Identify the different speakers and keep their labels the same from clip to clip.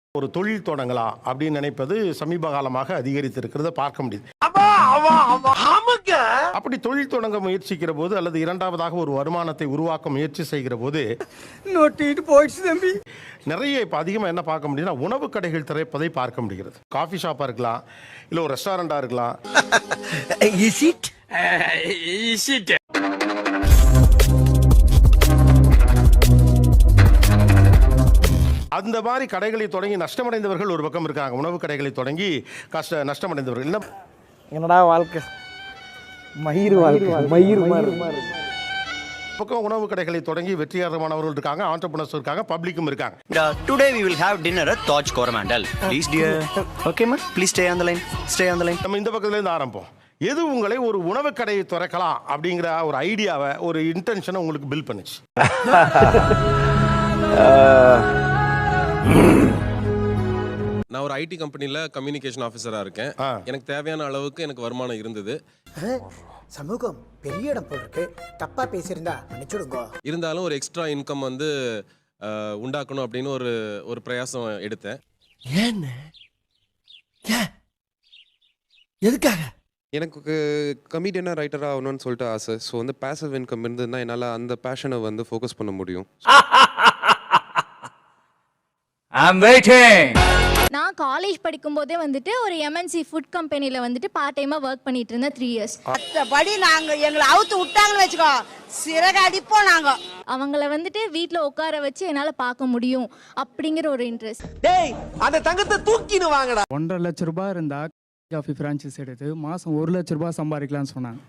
Speaker 1: ஒரு தொழில் தொடங்கலாம் அப்படின்னு நினைப்பது சமீப காலமாக அதிகரித்திருக்கிறத பார்க்க முடியுது. அப்படி தொழில் தொடங்க முயற்சிக்கிற போது அல்லது இரண்டாவதாக ஒரு வருமானத்தை உருவாக்க முயற்சி செய்கிற போது நிறைய இப்ப அதிகமா என்ன பார்க்க முடியுதுன்னா உணவு கடைகள் திறப்பதை பார்க்க முடிகிறது. காஃபி ஷாப்பா இருக்கலாம், இல்ல ஒரு ரெஸ்டாரண்டா இருக்கலாம். அந்த மாதிரி கடைகளை தொடங்கி நஷ்டமடைந்தவர்கள் ஒரு பக்கம் இருக்காங்க. உணவு கடைகளை தொடங்கி நஷ்டமடைந்தவர்கள்.
Speaker 2: என்னடா வாழ்க்கை, மயிர்
Speaker 1: பக்கம் உணவு கடைகளை தொடங்கி வெற்றிகரமானவர்கள் இருக்காங்க, ஆண்டர்பிரனர்ஸ் இருக்காங்க, பப்ளிக்கும் இருக்காங்க.
Speaker 3: Today we will have dinner at Taj Coromandel. Please dear. Okay ma, please stay on the line. Stay on the line.
Speaker 1: நம்ம இந்த பக்கத்துல இருந்து ஆரம்பிப்போம். எது உங்களை ஒரு உணவு கடையை திறக்கலாம் அப்படிங்கிற ஒரு ஐடியாவை, ஒரு இன்டென்ஷனை உங்களுக்கு பில்ட் பண்ணுச்சு?
Speaker 4: நான் ஒரு ஐடி கம்பெனியில் கம்யூனிகேஷன் ஆஃபீஸராக இருக்கேன். எனக்கு தேவையான அளவுக்கு எனக்கு வருமானம் இருந்தது.
Speaker 5: சமூகம் பெரிய இடம் போட்டிருக்கு, தப்பா பேசியிருந்தா மன்னிச்சுடுங்க.
Speaker 4: இருந்தாலும் ஒரு எக்ஸ்ட்ரா இன்கம் வந்து உண்டாக்கணும் அப்படின்னு ஒரு பிரயாசம் எடுத்தேன்.
Speaker 5: எதுக்காக?
Speaker 6: எனக்கு கமெடியனாக ரைட்டராக ஆகணும்னு சொல்லிட்டு ஆசை. ஸோ வந்து பேசிவ் இன்கம் இருந்ததுன்னா என்னால் அந்த பேஷனை வந்து ஃபோக்கஸ் பண்ண முடியும்.
Speaker 7: நான் காலேஜ் படிக்கும் போதே வந்துட்டு ஒரு எம்என்சி ஃபுட் கம்பெனில வந்துட்டு பார்ட் டைமா ஒர்க் பண்ணிட்டு இருந்தேன் 3 years.
Speaker 8: மற்றபடி நாங்க எங்களை அவுத்து விட்டாங்கன்னு வச்சுக்கோ, சிறகு அடிப்போம் நாங்க.
Speaker 7: அவங்கள வந்துட்டு வீட்ல உட்கார வச்சு என்னால பார்க்க முடியும் அப்படிங்கிற ஒரு இன்ட்ரெஸ்ட்.
Speaker 2: டேய், அந்த தங்கத்தை தூக்கின்னு வாங்கடா.
Speaker 9: 1.5 லட்சம் ரூபாய் இருந்தா காஃபி பிரான்ச்சைஸ் எடுத்து மாசம் 1 லட்சம் ரூபாய் சம்பாதிக்கலாம்னு சொன்னாங்க.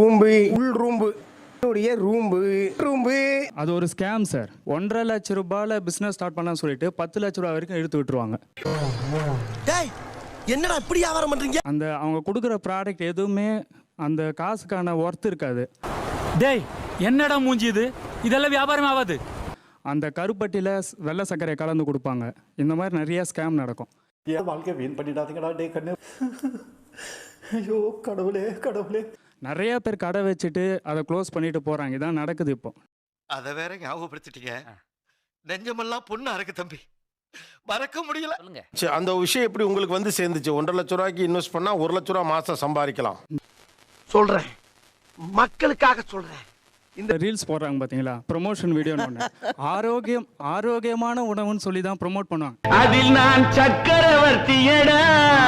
Speaker 9: ரூம்பு அது ஒரு ஸ்கேம் சார். 1.5 லட்சம் ரூபாயில பிசினஸ் ஸ்டார்ட் பண்ணலாம்னு சொல்லிட்டு 10 லட்சம் ரூபாய் வரைக்கும் எடுத்து விட்டுருவாங்க.
Speaker 5: டேய், என்னடா இப்படி வியாபாரம் பண்றீங்க?
Speaker 9: அந்த அவங்க கொடுக்குற ப்ராடக்ட் எதுவுமே அந்த காசுக்கான ஒர்த் இருக்காது.
Speaker 10: டேய், என்னடா மூஞ்சி இது? இதெல்லாம் வியாபாரம் ஆகாது.
Speaker 9: அந்த கருப்பட்டியில வெள்ளை சர்க்கரை கலந்து கொடுப்பாங்க. இந்த மாதிரி நிறைய ஸ்கேம் நடக்கும்.
Speaker 11: வாழ்க்கை வீண் பண்ணிடாதீங்கடா டே கண்ணு. ஐயோ கடவுளே கடவுளே.
Speaker 9: நிறைய பேர் கடை வச்சுட்டு அதை க்ளோஸ் பண்ணிட்டு போறாங்க. இதான் நடக்குது இப்போ.
Speaker 5: அதை வேற ஞாபகப்படுத்திட்டீங்க. நெஞ்சமெல்லாம் பொண்ணு அறக்கு தம்பி, மறக்க முடியல.
Speaker 1: அந்த விஷயம் எப்படி உங்களுக்கு வந்து சேர்ந்துச்சு? 1.5 லட்சம் ரூபாய்க்கு இன்வெஸ்ட் பண்ணா 1 லட்சம் ரூபாய் மாசம் சம்பாதிக்கலாம்.
Speaker 5: சொல்றேன், மக்களுக்காக சொல்றேன்.
Speaker 9: இந்த ரீல்ஸ் போடுறாங்க பாத்தீங்களா, ப்ரொமோஷன் வீடியோன்னு ஒன்று. ஆரோக்கியமான உணவுன்னு சொல்லி தான் ப்ரொமோட் பண்ணுவாங்க.
Speaker 2: அதில் நான் சக்கரவர்த்தியடா.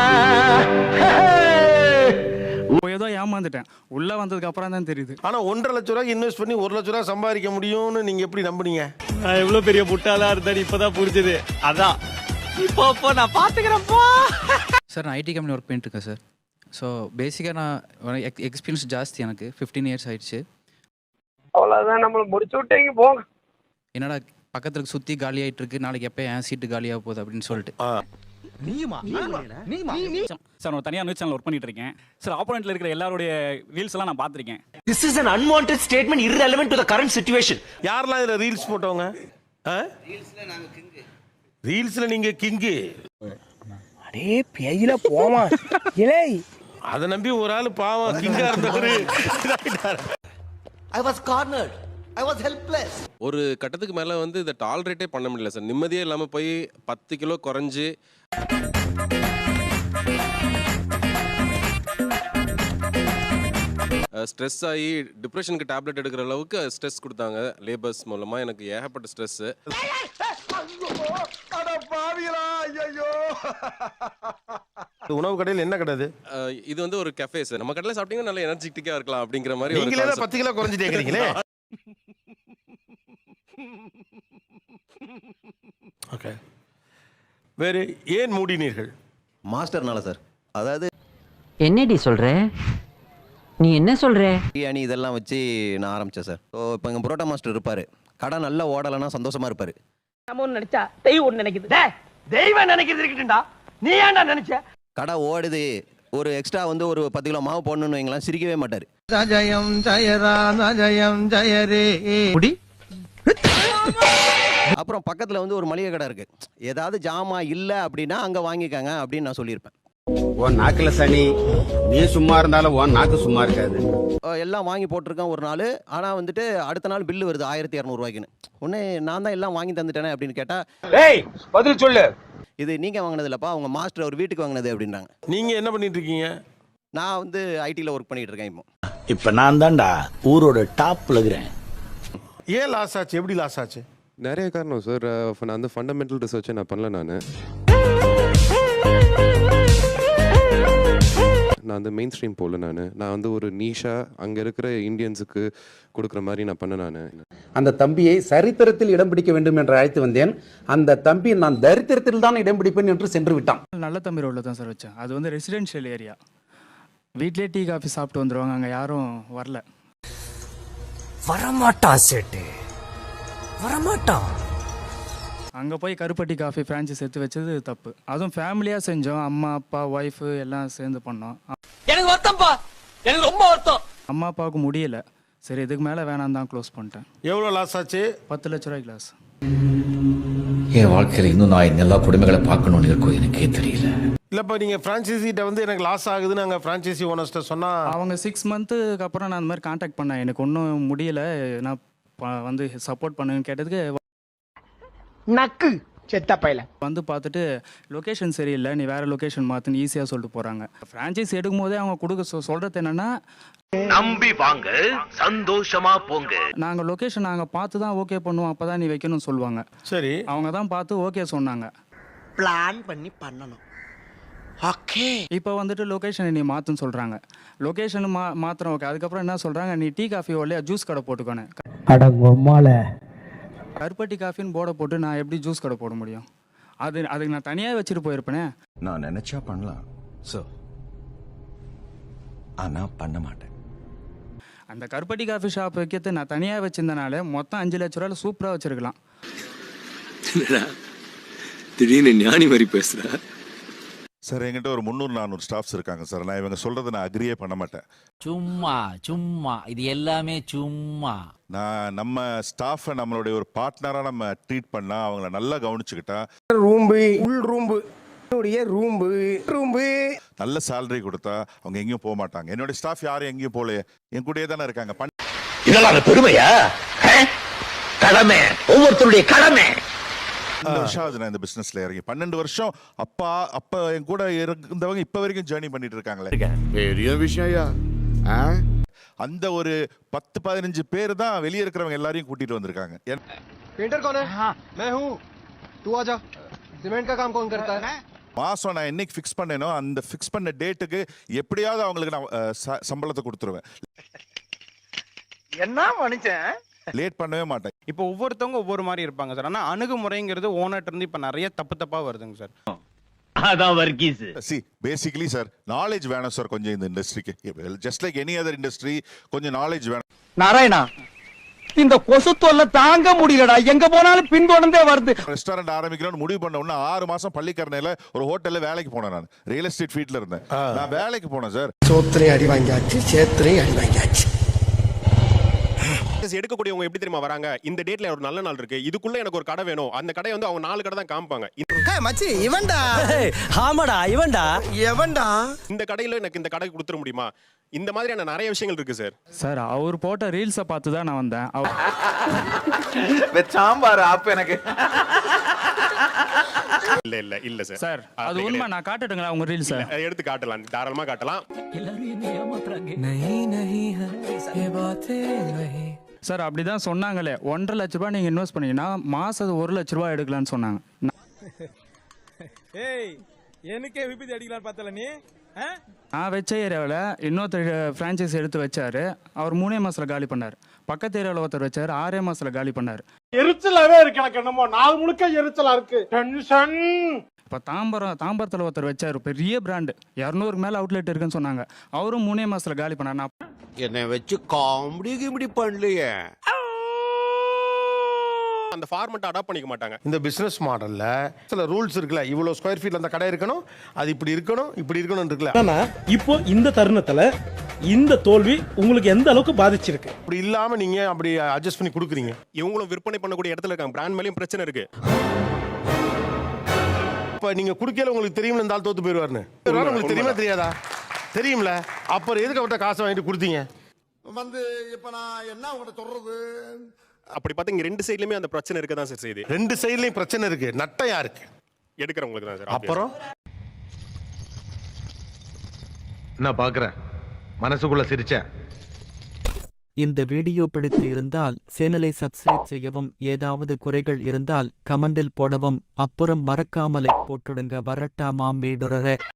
Speaker 9: ஏதோ ஏமாந்துட்டேன். உள்ள வந்ததுக்கு அப்புறம் தான் தெரியுது.
Speaker 1: ஆனா 1.5 லட்சம் ரூபாய்க்கு இன்வெஸ்ட் பண்ணி 1 லட்சம் ரூபாய் சம்பாதிக்க முடியும்னு நீங்க எப்படி நம்புனீங்க?
Speaker 10: நான் எவ்வளவு பெரிய முட்டாளா இருந்தேன் இப்பதான் புரிஞ்சது. அதான் இப்போ நான் பாத்துக்கிறேன்ப்பா.
Speaker 12: சார், நான் ஐடி கம்பெனி ஒர்க் பண்ணிட்டு இருக்கேன் சார். ஸோ பேசிக்காக நான் எக்ஸ்பீரியன்ஸ் ஜாஸ்தி. எனக்கு 15 years ஆயிடுச்சு.
Speaker 2: அவ்வளவுதான், நம்மள முடிச்சு விட்டீங்க போங்க.
Speaker 12: என்னடா பக்கத்துல சுற்றி காலி ஆகிட்டு இருக்கு, நாளைக்கு எப்போ என் சீட்டு காலியாக போகுது அப்படின்னு சொல்லிட்டு.
Speaker 10: சார், நான் தனியாக நியூஸ் சேனல் ஒர்க் பண்ணிட்டு இருக்கேன் சார். ஆப்போனன்ட்ல இருக்கிற எல்லாருடைய ரீல்ஸ் எல்லாம் நான் பார்த்துருக்கேன்.
Speaker 5: This is an unwanted statement irrelevant to the current situation.
Speaker 1: யாரெல்லாம் இதுல ரீல்ஸ் போட்டவங்க? ரீல்ஸ்ல நீங்க கிங்கு.
Speaker 2: அடே பேயில போமா இலே.
Speaker 1: அதை நம்பி ஒரு ஆள் பாவம் கிங்கா இருந்தவரு
Speaker 5: I was cornered. I was helpless.
Speaker 4: ஒரு கட்டத்துக்கு மேலே வந்து இதை டாலரேட்டே பண்ண முடியல சார். நிம்மதியே இல்லாமல் போய் 10 கிலோ குறைஞ்சி ஸ்ட்ரெஸ் ஆகி டிப்ரெஷனுக்கு டேப்லெட் எடுக்கிற அளவுக்கு ஸ்ட்ரெஸ் கொடுத்தாங்க லேபர்ஸ் மூலமாக. எனக்கு ஏகப்பட்ட ஸ்ட்ரெஸ்ஸு.
Speaker 1: உணவு கடையில் என்ன கிடையாது?
Speaker 4: இது வந்து ஒரு கஃபே சார். நம்ம கடையில் சாப்பிட்டீங்கன்னா நல்ல எனர்ஜெட்டிக்காக இருக்கலாம் அப்படிங்கிற மாதிரி.
Speaker 1: நீங்களே 10 கிலோ குறைஞ்சிட்டேங்கிறீங்களே. ஓகே, வேறு ஏன் மூடினீர்கள்?
Speaker 3: மாஸ்டர்னால சார். அதாவது
Speaker 8: என்னடி சொல்ற நீ? என்ன சொல்ற?
Speaker 3: பிரியாணி இதெல்லாம் வச்சு நான் ஆரம்பித்தேன் சார். ஸோ இப்போ எங்கள் புரோட்டா மாஸ்டர் இருப்பார். கடை நல்லா ஓடலைன்னா சந்தோஷமாக இருப்பார்.
Speaker 2: நம்ம ஒன்று நினைச்சா தெய்வம் ஒன்று நினைக்குது. தெய்வம் நினைக்கிறது இருக்கட்டும்டா, நீ ஏன்டா நினைச்ச?
Speaker 3: கடை ஓடுது, ஒரு எக்ஸ்ட்ரா வந்து ஒரு 10 கிலோ மாவு போடணும்னு வைங்களேன், சிரிக்கவே மாட்டார்.
Speaker 5: ஜயம் ஜெயராம ஜயம் ஜெயரே.
Speaker 3: அப்புறம் பக்கத்தில் வந்து ஒரு மளிகை கடை இருக்குது. ஏதாவது ஜாமா இல்லை அப்படின்னா அங்கே வாங்கிக்காங்க அப்படின்னு நான் சொல்லியிருப்பேன்.
Speaker 11: உன் நாக்குல சனி, நீ சும்மா இருந்தாலும் உன் நாக்கு சும்மா இருக்காது.
Speaker 3: எல்லாம் வாங்கி போட்டிருக்கேன் ஒரு நாள். ஆனால் வந்துட்டு அடுத்த நாள் பில்லு வருது 1200 ரூபாய்க்குன்னு. உடனே நான் தான் எல்லாம் வாங்கி தந்துட்டேனே அப்படின்னு கேட்டால்,
Speaker 2: ஏய் பதில் சொல்லு.
Speaker 3: இது நீங்கள் வாங்கினது இல்லைப்பா, அவங்க மாஸ்டர் அவர் வீட்டுக்கு வாங்கினது அப்படின்றாங்க.
Speaker 1: நீங்க என்ன பண்ணிட்டு இருக்கீங்க?
Speaker 3: நான் வந்து ஐடியில் ஒர்க் பண்ணிட்டு இருக்கேன் இப்போ.
Speaker 10: இப்ப நான் தான்டா ஊரோட டாப்ல இருக்கிறேன்.
Speaker 1: ஏன் லாஸ் ஆச்சு? எப்படி லாஸ் ஆச்சு?
Speaker 6: நிறைய காரணம் சார். நான் வந்து ஃபண்டமெண்டல் ரிசர்ச்சை நான் பண்ணல. நான் வந்து மெயின் ஸ்ட்ரீம் போகல. நான் வந்து ஒரு நீஷா அங்கே இருக்கிற இந்தியன்ஸுக்கு கொடுக்குற மாதிரி நான் பண்ணேன்.
Speaker 10: அந்த தம்பியை சரித்திரத்தில் இடம் பிடிக்க வேண்டும் என்று அழைத்து வந்தேன். அந்த தம்பி நான் தரித்திரத்தில் தான் இடம் பிடிப்பேன் என்று சென்று விட்டான்.
Speaker 9: நல்ல தம்பி ரோட்டில் தான் சார் வச்சேன். அது வந்து ரெசிடென்ஷியல் ஏரியா. வீட்லேயே டீ காஃபி சாப்பிட்டு வந்துடுவாங்க, அங்கே யாரும் வரல.
Speaker 2: வரமாட்டான் சேட்டு, வரமாட்டான்.
Speaker 9: அங்கே போய் கருப்பட்டி காஃபி ஃப்ரான்ச்சைஸ் எடுத்து வச்சது தப்பு. அதுவும் ஃபேமிலியாக செஞ்சோம். அம்மா அப்பா ஒய்ஃபு எல்லாம் சேர்ந்து பண்ணோம்.
Speaker 2: எனக்கு வருத்தம்ப்பா, எனக்கு ரொம்ப வருத்தம்.
Speaker 9: அம்மா அப்பாவுக்கு முடியல, சரி இதுக்கு மேலே வேணாம் தான் க்ளோஸ் பண்ணிட்டேன்.
Speaker 1: எவ்வளோ லாஸ் ஆச்சு?
Speaker 9: 10 லட்ச ரூபாய்க்கு லாஸ்.
Speaker 10: என் வாழ்க்கையில் இன்னும் நான் எல்லா குடும்பங்களை பார்க்கணும்னு இருக்கோ எனக்கே தெரியல.
Speaker 1: இல்லப்பா, நீங்க பிரான்ச்சைசிட்ட வந்து எனக்கு லாஸ் ஆகுதுன்னு அங்கே பிரான்ச்சைசி ஓனர்ஸ்ட்ட சொன்னா
Speaker 9: அவங்க 6 மந்த்துக்கு அப்புறம் நான் அந்த மாதிரி காண்டாக்ட் பண்ணேன். எனக்கு ஒன்றும் முடியல, நான் வந்து சப்போர்ட் பண்ணுன்னு கேட்டதுக்கு
Speaker 2: நக்கு செத்த பையல
Speaker 9: வந்து பார்த்துட்டு லொக்கேஷன் சரியில்லை, நீ வேற லொக்கேஷன் மாற்றுன்னு ஈஸியாக சொல்லிட்டு போகிறாங்க. ஃப்ரான்ச்சைஸ் எடுக்கும் போதே அவங்க கொடுக்க சொல்கிறது என்னென்னா,
Speaker 5: நம்பி வாங்க, சந்தோஷமா போங்க.
Speaker 9: நாங்கள் லொக்கேஷன் நாங்கள் பார்த்து தான் ஓகே பண்ணுவோம், அப்போ தான் நீ வைக்கணும்னு சொல்லுவாங்க.
Speaker 1: சரி,
Speaker 9: அவங்க தான் பார்த்து ஓகே சொன்னாங்க.
Speaker 2: பிளான் பண்ணி பண்ணணும். ஓகே,
Speaker 9: இப்போ வந்துட்டு லொக்கேஷனை நீ மாற்றுன்னு சொல்கிறாங்க. லொக்கேஷன் மாத்திரம் ஓகே. அதுக்கப்புறம் என்ன சொல்கிறாங்க, நீ டீ காஃபி இல்லையா ஜூஸ் கடை போட்டுக்கோனே. கருப்பட்டி காஃபின்னு போர்டை போட்டு நான் எப்படி ஜூஸ் கடை போட முடியும்? அதுக்கு நான் தனியாக வச்சுட்டு போயிருப்பேனே.
Speaker 10: நான் நினைச்சா பண்ணலாம் சார், ஆனா பண்ண மாட்டேன்.
Speaker 9: அந்த கருப்பட்டி காஃபி ஷாப் வைக்கிறது நான் தனியாக வச்சிருந்தனால மொத்தம் 5 லட்ச ரூபாயில் சூப்பராக வச்சிருக்கலாம்.
Speaker 4: திடீர்னு ஞானி மாதிரி பேசுற
Speaker 13: சார். என்கிட்ட ஒரு 300-400 ஸ்டாஃப்ஸ் இருக்காங்க சார். நான் இவங்க சொல்றதை நான் அக்ரியே பண்ண மாட்டேன்.
Speaker 2: சும்மா இது எல்லாமே சும்மா.
Speaker 13: நான் நம்ம ஸ்டாஃபை நம்மளுடைய ஒரு பார்ட்னரா நம்ம ட்ரீட் பண்ணா, அவங்கள நல்லா கவனிச்சுக்கிட்டா, ரூம்பு நல்ல சேலரி கொடுத்தா அவங்க எங்கேயும் போக மாட்டாங்க. என்னுடைய ஸ்டாஃப் யாரும் எங்கேயும் போல, என் கூடயே தானே இருக்காங்க.
Speaker 2: இதெல்லாம் பெருமையா? கடமை, ஒவ்வொருத்தருடைய கடமை.
Speaker 13: 12 வருஷம் ஆகுது நான் இந்த பிசினஸ்ல இறங்கி. 12 வருஷம் அப்ப என் கூட இருந்தவங்க இப்ப வரைக்கும் ஜேர்னி பண்ணிட்டு இருக்காங்களே.
Speaker 5: பெரிய விஷயம்.
Speaker 13: அந்த ஒரு 10-15 பேர் தான் வெளியே இருக்கிறவங்க எல்லாரையும் கூட்டிட்டு வந்திருக்காங்க.
Speaker 11: पेंटर कौन है? मैं हूँ, तू आजा। सीमेंट का काम कौन करता है?
Speaker 13: மாசம் நான் என்னைக்கு ஃபிக்ஸ் பண்ணேனோ அந்த ஃபிக்ஸ் பண்ண டேட்டுக்கு எப்படியாவது அவங்களுக்கு நான் சம்பளத்தை கொடுத்துருவேன்.
Speaker 2: என்ன மனுஷன்,
Speaker 13: லேட் பண்ணவே மாட்டேன்.
Speaker 9: இப்போ ஒவ்வொருத்தவங்க ஒவ்வொரு மாதிரி இருப்பாங்க சார். ஆனால் அணுகுமுறைங்கிறது ஓனர்ட்ட இருந்து இப்போ நிறைய தப்பாக வருதுங்க சார்.
Speaker 2: அதான் வர்கீஸ்.
Speaker 13: பேசிக்கலி சார், நாலேஜ் வேணும் சார் கொஞ்சம் இந்த இண்டஸ்ட்ரிக்கு. Just like any other industry, கொஞ்சம் நாலேஜ் வேணும்.
Speaker 2: நாராயணா, இந்த கொசு தொல்லை தாங்க முடியலடா, எங்க போனாலும் பின்தொடர்ந்தே வருது.
Speaker 13: ரெஸ்டாரண்ட் ஆரம்பிக்கிறோம்னு முடிவு பண்ண உடனே 6 மாசம் பள்ளிக்கரணையில ஒரு ஹோட்டல்ல வேலைக்கு போனேன். நான் ரியல் எஸ்டேட் ஃபீல்ட்ல இருந்தேன். நான் வேலைக்கு போனேன் சார்.
Speaker 2: சோத்திரையும் அடி வாங்கியாச்சு, சேத்திரையும் அடி வாங்கியாச்சு.
Speaker 4: எடுக்கக்கூடியவங்க எப்படி தெரியுமா வராங்க, இந்த டேட்ல ஒரு நல்ல நாள் இருக்கு, இதுக்குள்ள எனக்கு ஒரு கடை வேணும். அந்த கடை வந்து அவங்க 4 கடை தான் காமிப்பாங்க.
Speaker 2: மச்சி இவன்டா. ஆமாடா இவன்டா.
Speaker 4: இந்த கடையில எனக்கு இந்த கடை கொடுத்துட முடியுமா? இந்த மாதிரியான நிறைய விஷயங்கள் இருக்கு சார்.
Speaker 9: சார் அவர் போட்ட ரீல்ஸை பார்த்து தான் நான் வந்தேன்.
Speaker 2: சாம்பார் ஆப் எனக்கு.
Speaker 4: இல்ல சார்.
Speaker 9: சார் அது உண்மை. நான் காட்டட்டுங்களா உங்க ரீல்ஸை?
Speaker 4: எடுத்து காட்டலாம், தாராளமா காட்டலாம்.
Speaker 9: சார் அப்படிதான் சொன்னாங்களே. 1.5 லட்ச ரூபாய் நீங்க இன்வெஸ்ட் பண்ணீங்கன்னா மாசம் 1 லட்ச ரூபாய் எடுக்கலாம்னு சொன்னாங்க.
Speaker 10: எனக்கே விபத்து அடிக்கலாம் பார்த்தல நீ.
Speaker 9: நான் வச்ச ஏரியாவில் இன்னொருத்தர் ஃப்ரான்ச்சைஸ் எடுத்து வச்சாரு. அவர் 3 மாசத்துல காலி பண்ணார். பக்கத்து ஏரியாவில் ஒருத்தர் வச்சாரு, 6 மாசத்துல காலி பண்ணாரு.
Speaker 11: எரிச்சலாவே இருக்கு எனக்கு. என்னமோ நாள் முழுக்க எரிச்சலா இருக்கு. டென்ஷன்.
Speaker 9: இப்போ தாம்பரத்தில் ஒருத்தர் வச்சாரு, பெரிய பிராண்டு, 200க்கு மேலே அவுட்லெட் இருக்குன்னு சொன்னாங்க. அவரும் 3 மாசத்துல காலி பண்ணார். நான்
Speaker 5: என்னை வச்சு காமெடி கிமெடி பண்ணலையே.
Speaker 4: அந்த ஃபார்மட் அடாப்ட் பண்ணிக்க மாட்டாங்க.
Speaker 1: இந்த பிசினஸ் மாடல்ல சில ரூல்ஸ் இருக்குல்ல. இவ்வளவு ஸ்கொயர் ஃபீட்ல அந்த கடை இருக்கணும், அது இப்படி இருக்கணும், இப்படி இருக்கணும் இருக்குல்ல.
Speaker 11: ஆனா இப்போ இந்த தருணத்துல இந்த தோல்வி உங்களுக்கு எந்த அளவுக்கு பாதிச்சிருக்கு?
Speaker 1: அப்படி இல்லாம நீங்க அப்படி அட்ஜஸ்ட் பண்ணி கொடுக்குறீங்க.
Speaker 4: இவங்களும் விற்பனை பண்ணக்கூடிய இடத்துல இருக்காங்க. பிராண்ட் மேலயும் பிரச்சனை இருக்கு.
Speaker 1: இப்ப நீங்க குடுக்கல உங்களுக்கு தெரியும்ல இந்த ஆள் தோத்து போயிடுவாருன்னு. உங்களுக்கு தெரியுமா தெரியாதா? தெரியும்ல. அப்புறம் எதுக்கு அவர்கிட்ட காசை வாங்கிட்டு கொடுத்தீங்க?
Speaker 5: வந்து இப்ப நான் என்ன உங்கள்கிட்ட சொல்றது?
Speaker 4: அப்படி பார்த்தீங்க 2 சைடுலயுமே அந்த பிரச்சனை இருக்க தான் சார் செய்யுது.
Speaker 1: 2 சைடுலயும் பிரச்சனை இருக்கு. நட்டம் யாருக்கு?
Speaker 14: எடுக்கிறவங்களுக்கு தான் சார்.
Speaker 1: அப்புறம்
Speaker 2: நான் பாக்குறேன் மனசுக்குள்ள சிரிச்சேன்.
Speaker 12: இந்த வீடியோ பிடித்து இருந்தால் சேனலை சப்ஸ்கிரைப் செய்யவும், ஏதாவது குறைகள் இருந்தால் கமெண்டில் போடவும், அப்புறம் மறக்காமலை போட்டுடுங்க. வரட்டாமாம் வீடுறே.